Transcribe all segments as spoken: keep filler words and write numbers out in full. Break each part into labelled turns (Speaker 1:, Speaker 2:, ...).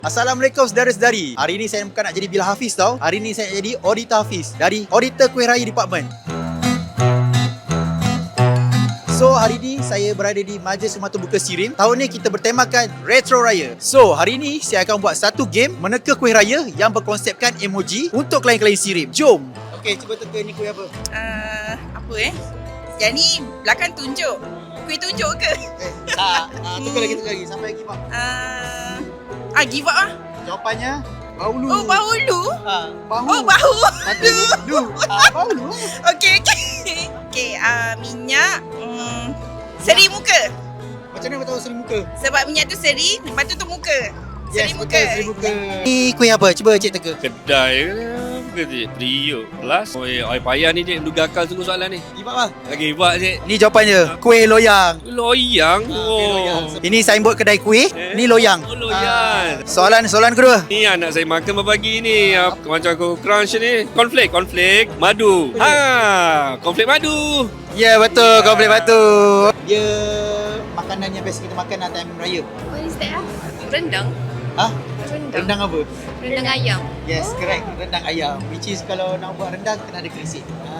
Speaker 1: Assalamualaikum saudara-saudari. Hari ni saya bukan nak jadi Bila Hafiz tau. Hari ni saya nak jadi Auditor Hafiz dari Auditor Kuih Raya Department. So hari ni saya berada di Majlis Rumah Terbuka Sirim. Tahun ni kita bertemakan Retro Raya. So hari ni saya akan buat satu game meneka kuih raya yang berkonsepkan emoji untuk klien-klien Sirim. Jom. Okey, cuba teka ni kuih apa?
Speaker 2: Uh, apa eh? Yang ni belakang tunjuk. Kuih tunjuk ke?
Speaker 1: Eh, tak. Ah, tukar lagi, tukar lagi sampai give up.
Speaker 2: Uh, ah, give up lah.
Speaker 1: Jawapannya bahulu.
Speaker 2: Oh, bahulu.
Speaker 1: Ha, bahu.
Speaker 2: Oh, bahu.
Speaker 1: Patut lu. Ah, bahulu.
Speaker 2: Okey, okey. Okey, uh, minyak. Um, seri muka.
Speaker 1: Macam mana kau tahu seri muka?
Speaker 2: Sebab minyak tu seri, lepas tu tu muka. Seri
Speaker 1: Yes,
Speaker 2: muka.
Speaker 1: betul, seri muka. Ni kuih apa? Cuba cik teka.
Speaker 3: Kedai ke cik? Periuk Plus. Oh, eh, air payah ni cik. Mendugakan sungguh soalan ni.
Speaker 1: Give up lah.
Speaker 3: Lagi buat cik.
Speaker 1: Ni jawapannya. Kuih loyang.
Speaker 3: Loyang.
Speaker 1: Kuih loyang.
Speaker 3: Oh.
Speaker 1: Ini signboard kedai kuih.
Speaker 3: Eh?
Speaker 1: Ni loyang.
Speaker 3: Oh, loyang.
Speaker 1: Ah, soalan soalan kedua.
Speaker 3: Ni anak saya makan berbagi ni. Apa, macam aku crunch ni. Cornflake. Cornflake. Madu. Ha. Cornflake madu.
Speaker 1: Ya, betul. Kau boleh batu. Dia makanan yang biasa kita makan dalam time raya.
Speaker 4: What is that? Rendang.
Speaker 1: Ha?
Speaker 4: Rendang.
Speaker 1: Rendang apa?
Speaker 4: Rendang ayam.
Speaker 1: Yes, correct. Rendang ayam. Which is kalau nak buat rendang kena ada kerisik. Ha.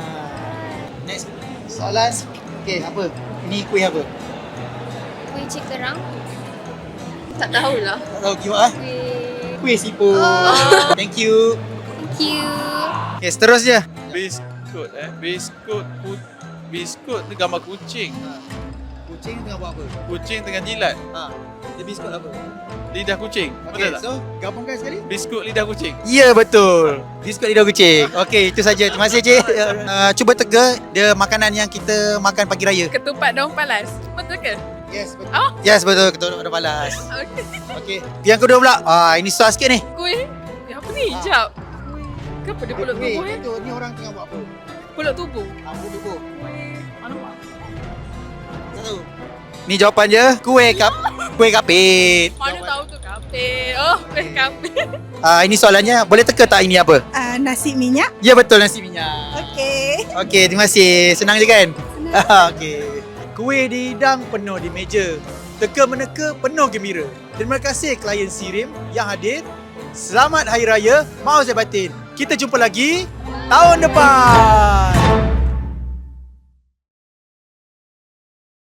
Speaker 1: Next soalan. Okey, apa? Ini kuih apa?
Speaker 4: Kuih cik kerang. Tak tahulah.
Speaker 1: Tak tahu give up ah.
Speaker 4: Kuih.
Speaker 1: Kuih siput.
Speaker 4: Oh.
Speaker 1: Thank you.
Speaker 4: Thank you.
Speaker 1: Okay, seterusnya.
Speaker 5: Biskut eh. Biskut ku, biskut ni gambar kucing.
Speaker 1: Kucing tengah buat apa?
Speaker 5: Kucing tengah jilat.
Speaker 1: Ha. Dia biskut apa?
Speaker 5: Lidah kucing.
Speaker 1: Okey,
Speaker 5: Betul tak?
Speaker 1: so gabungkan sekali.
Speaker 5: Biskut lidah kucing.
Speaker 1: Ya, betul. Biskut lidah kucing. Okey, itu saja. Terima kasih, Cik. Uh, cuba teka dia makanan yang kita makan pagi raya.
Speaker 2: Ketupat daun palas. Betul ke?
Speaker 1: Yes, betul.
Speaker 2: Oh.
Speaker 1: Yes, betul. Ketua ada balas.
Speaker 2: Okey.
Speaker 1: Okey. Yang kedua pula. Ah, ini susah sikit ni.
Speaker 2: Kuih. Eh, apa ni?
Speaker 1: Ah.
Speaker 2: Jap. Kenapa dia pulut
Speaker 1: Kuih,
Speaker 2: tubuh eh?
Speaker 1: betul. Ni orang tengah buat apa?
Speaker 2: Pulut tubuh.
Speaker 1: Ah, buat tubuh.
Speaker 2: Kuih. Alamak.
Speaker 1: Tak tahu. Ni jawapan dia. Kuih kap. Kuih kapit.
Speaker 2: Mana tahu tu kapit. Oh, kuih kapit.
Speaker 1: Ah, ini soalannya. Boleh teka tak ini apa?
Speaker 6: Uh, nasi minyak.
Speaker 1: Ya, betul, nasi minyak.
Speaker 6: Okey.
Speaker 1: Okey, terima kasih. Senang je kan? Senang. Okey. Kuih dihidang penuh di meja. Teka-meneka penuh gembira. Terima kasih klien Sirim yang hadir. Selamat Hari Raya. Maaf saya batin. Kita jumpa lagi tahun depan.